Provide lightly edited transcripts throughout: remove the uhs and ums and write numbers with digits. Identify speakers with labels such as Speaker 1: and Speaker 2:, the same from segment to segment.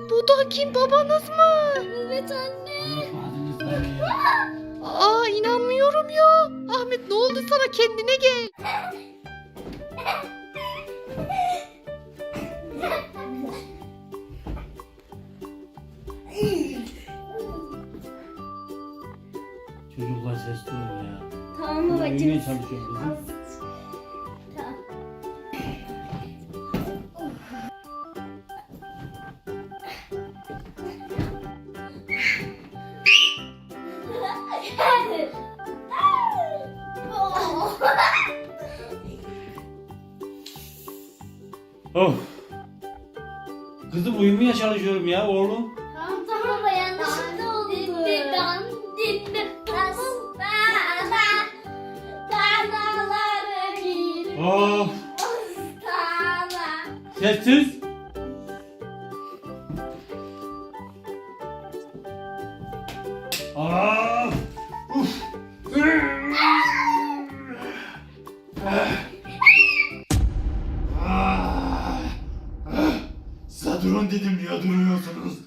Speaker 1: Bu da kim, babanız mı?
Speaker 2: Evet anne.
Speaker 1: Aa, inanmıyorum ya. Ahmet, ne oldu sana, kendine gel.
Speaker 3: Çocuklar sesli olun ya.
Speaker 2: Tamam
Speaker 3: Uyumaya
Speaker 2: babacığım.
Speaker 3: çalışıyorum kızım.
Speaker 2: Tamam.
Speaker 3: Of. Kızım uyumaya çalışıyorum ya oğlum.
Speaker 2: Tamam tamam baba, yanlışlıkla oldu.
Speaker 3: Of. Sessiz. Of. Uf. Size durun dedim, niye duruyorsunuz?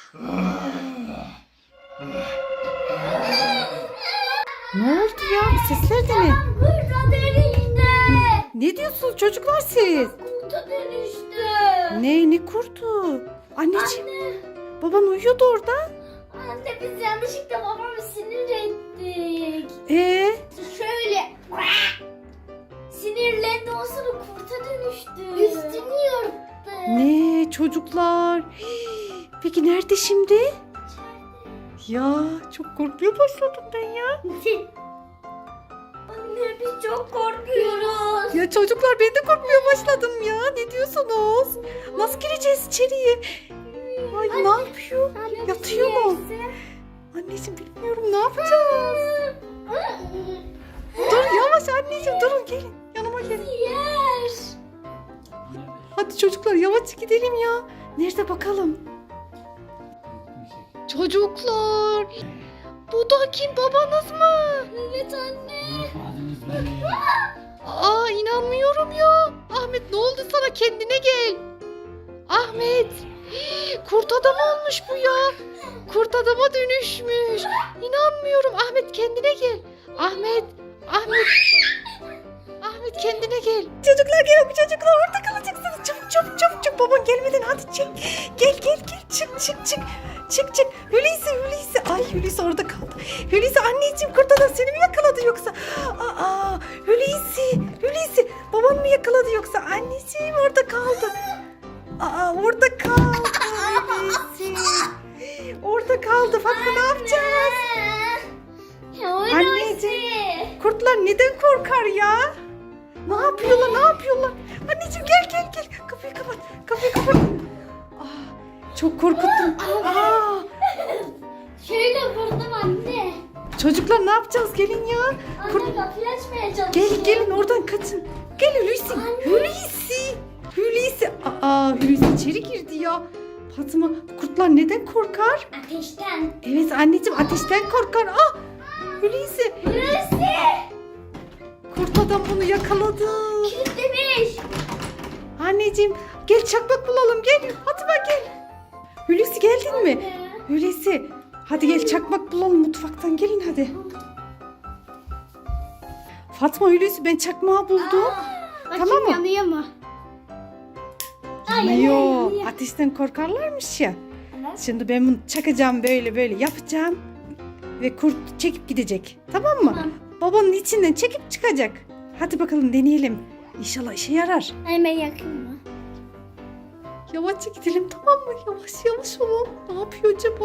Speaker 1: Ne oldu ya, bu sesler de ne?
Speaker 2: Kurta dönüştü.
Speaker 1: Ne diyorsunuz çocuklar siz?
Speaker 2: Kurta dönüştü.
Speaker 1: Ne kurtu? Anneciğim,
Speaker 2: Anne.
Speaker 1: baban uyuyordu orada.
Speaker 2: Anne, biz yanlışlıkla babamı sinir ettik. Şöyle sinirlendi, o sonra kurta dönüştü. Üstünü yırttı.
Speaker 1: Ne çocuklar? Hii, peki nerede şimdi? Ya çok korkmaya başladım ben ya.
Speaker 2: Anne, biz çok korkuyoruz.
Speaker 1: Ya çocuklar, ben de korkmaya başladım ya. Ne diyorsunuz? Nasıl gireceğiz içeriye? Ay, ne yapıyor?
Speaker 2: Anne,
Speaker 1: Yatıyor mu? Anneciğim, bilmiyorum, ne yapacağız? Dur yavaş anneciğim, durun, gelin yanıma gelin.
Speaker 2: Yer.
Speaker 1: Hadi çocuklar, yavaş gidelim ya. Nerede bakalım? Çocuklar, bu da kim, babanız mı?
Speaker 2: Evet anne.
Speaker 3: Unutmadınız beni.
Speaker 1: Aa, inanmıyorum ya. Ahmet, ne oldu sana, kendine gel. Ahmet, kurt adam olmuş bu ya. Kurt adama dönüşmüş. İnanmıyorum. Ahmet, kendine gel. Ahmet, Ahmet. Ahmet, kendine gel. Çocuklar, gelin, çocuklar, orada kalacaksınız. Çabuk çabuk çabuk çabuk, baban gelmeden hadi çık. Gel gel gel, çık çık çık. Çık çık. Hulusi. Ay, Hulusi orada kaldı. Hulusi, anneciğim, kurt adam seni mi yakaladı yoksa? Aa, Hulusi. Baban mı yakaladı yoksa? Anneciğim, orada kaldı. Aa, orada kaldı Hulusi. Orada kaldı. Fatma, ne yapacağız? Anneciğim, kurtlar neden korkar ya? Ne yapıyorlar? Anneciğim, gel. Kapıyı kapat. Aa, çok korkuttum. Aa,
Speaker 2: Şöyle vurdum anne.
Speaker 1: çocuklar, ne yapacağız? Gelin ya.
Speaker 2: Anne, kapıyı açmaya çalışıyor.
Speaker 1: Gelin oradan kaçın. Gel Hulusi. Hulusi. Aa, Hulusi içeri girdi ya. Fatma, kurtlar neden korkar?
Speaker 2: Ateşten.
Speaker 1: Evet anneciğim, ateşten korkar. Hulusi.
Speaker 2: Burası.
Speaker 1: Kurt adam bunu yakaladı.
Speaker 2: Kilitlemiş.
Speaker 1: Anneciğim, gel çakmak bulalım, gel. Fatma, gel. Hulusi, geldin mi? Hulusi, hadi gel çakmak bulalım mutfaktan, gelin hadi. Fatma, Hulusi, ben çakmağı buldum. Tamam mı?
Speaker 2: Yanıyor mu?
Speaker 1: Yok, ateşten korkarlarmış ya.
Speaker 2: Evet.
Speaker 1: Şimdi ben bunu çakacağım, böyle yapacağım. Ve kurt çekip gidecek. Tamam mı?
Speaker 2: Tamam.
Speaker 1: Babanın içinden çekip çıkacak. Hadi bakalım, deneyelim. İnşallah işe yarar.
Speaker 2: Hemen yakın mı?
Speaker 1: Yavaşça gidelim, tamam mı? Yavaş olun. Ne yapıyor acaba?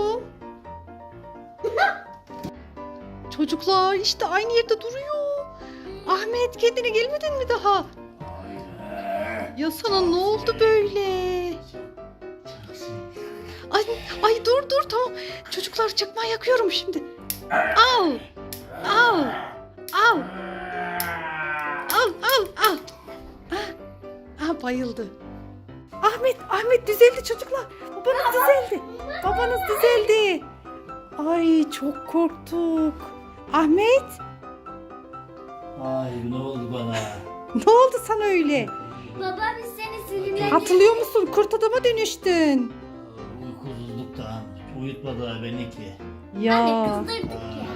Speaker 1: Çocuklar, işte aynı yerde duruyor. Ahmet, kendine gelmedin mi daha? Ya sana ne oldu böyle? Ay dur, tamam. Çocuklar, çakmağı yakıyorum şimdi. Al. Bayıldı. Ahmet düzeldi çocuklar. Babanız düzeldi. Ay, çok korktuk. Ahmet,
Speaker 3: Ay, ne oldu bana?
Speaker 1: ne oldu sana öyle?
Speaker 2: Baba, biz seni sinirlendik.
Speaker 1: Hatırlıyor musun? Kurt adama dönüştün.
Speaker 3: Uykusuzluktan uyutmadılar beni ki.
Speaker 1: Ya.
Speaker 2: Anne kızdırdık ya.